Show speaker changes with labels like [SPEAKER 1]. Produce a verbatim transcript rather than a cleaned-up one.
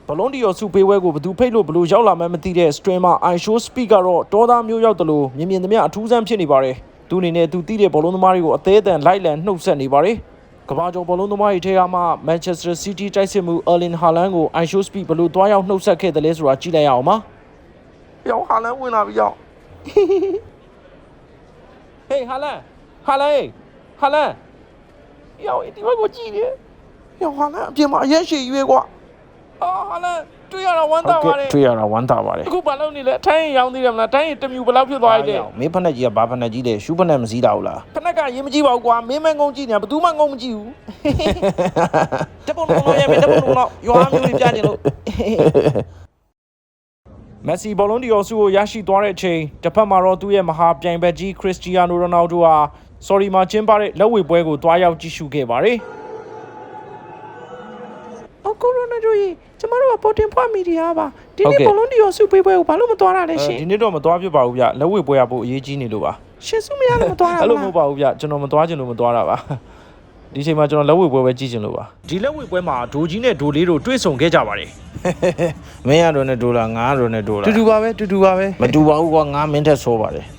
[SPEAKER 1] ဘလွန်ဒီယောစုပေးဝဲကိုဘသူဖိတ်လို့ဘလို့ရောက်လာမှမသိတဲ့ streamer I show speak ကတော့တောသားမျိုးရောက်တယ်လို့မြင်မြင်သမျှအထူးဆန်းဖြစ်နေပါတယ်သူအနေနဲ့သူသိတဲ့ဘလွန်သမားတွေကိုအသေးအတန်လိုက်လံနှုတ်ဆက်နေပါတယ်ကဘာကျော်ဘလွန်သမားတွေထဲကမှ Manchester City တိုက်စစ်မှု Erling Haaland ကို I show speak ဘလို့တွားရောက်နှုတ်ဆက်ခဲ့တယ်လဲဆိုတာကြည့်လိုက်ရအောင်ပါရောက် Haaland ဝင်လာပြီရောက် Hey Haaland Haaland Haaland ရောက်ဒီဘက်ကိုကြည့်နေရောက် Haaland အပြင်မှာအရက်ရှည်ရွေးကွာအာဟာလာတွေ့ရတာဝမ်းသာပါတယ်တွေ့ရတာဝမ်းသာပါတယ်အခုဘာလုပ်နေလဲအထိုင်းရောင်းသေးတယ်မလားတိုင်းတမြူဘယ်လောက်ဖြစ်သွားပြီလဲမင်းဖက်နဲ့ကြီးကဘာဖက်နဲ့ကြီးလဲရှူးဖက်နဲ့မစည်းတာဟုတ်လားဖက်နဲ့ကရေးမကြည့်ပါဘူးကွာမင်းမငုံကြည့်နေတာဘယ်သူမှငုံမကြည့်ဘူးတပုံလုံးလုံးရမယ်တပုံလုံးလုံးရွာမျိုးကြီးပြနေလို့မက်ဆီဘောလုံးဒီယောစုကိုရရှိသွားတဲ့အချိန်တစ်ဖက်မှာတော့သူ့ရဲ့မဟာပြိုင်ဘက်ကြီးခရစ္စတီယာနိုရိုနယ်ဒိုဟာဆော်ရီမှာကျင်းပတဲ့လက်ဝှေ့ပွဲကိုတွားရောက်ကြည့်ရှုခဲ့ပါတယ်ကိုရိုနာဒိုကြီးကျမတို့ကပေါ်တင်ဖွားမီဒီယာပါဒီနေ့ဘလုံးဒီယောစုပေးပွဲကိုဘာလို့မသွားတာလဲရှင်ဒီနေ့တော့မသွားဖြစ်ပါဘူးဗျလက်ဝှေ့ပွဲရဖို့အရေးကြီးနေလို့ပါရှင်စုမရလို့မသွားတာအဲ့လိုမဟုတ်ပါဘူးဗျကျွန်တော်မသွားချင်လို့မသွားတာပါဒီချိန်မှာကျွန်တော်လက်ဝှေ့ပွဲပဲကြည့်ချင်လို့ပါဒီလက်ဝှေ့ပွဲမှာဒိုကြီးနဲ့ဒိုလေးတို့တွေ့ဆုံခဲ့ကြပါတယ်မင်းရတော့နဲ့ဒိုလာငါရတော့နဲ့ဒိုလာတူတူပါပဲတူတူပါပဲမတူပါဘူးကွာငါမင်းထက်ဆိုးပါတယ်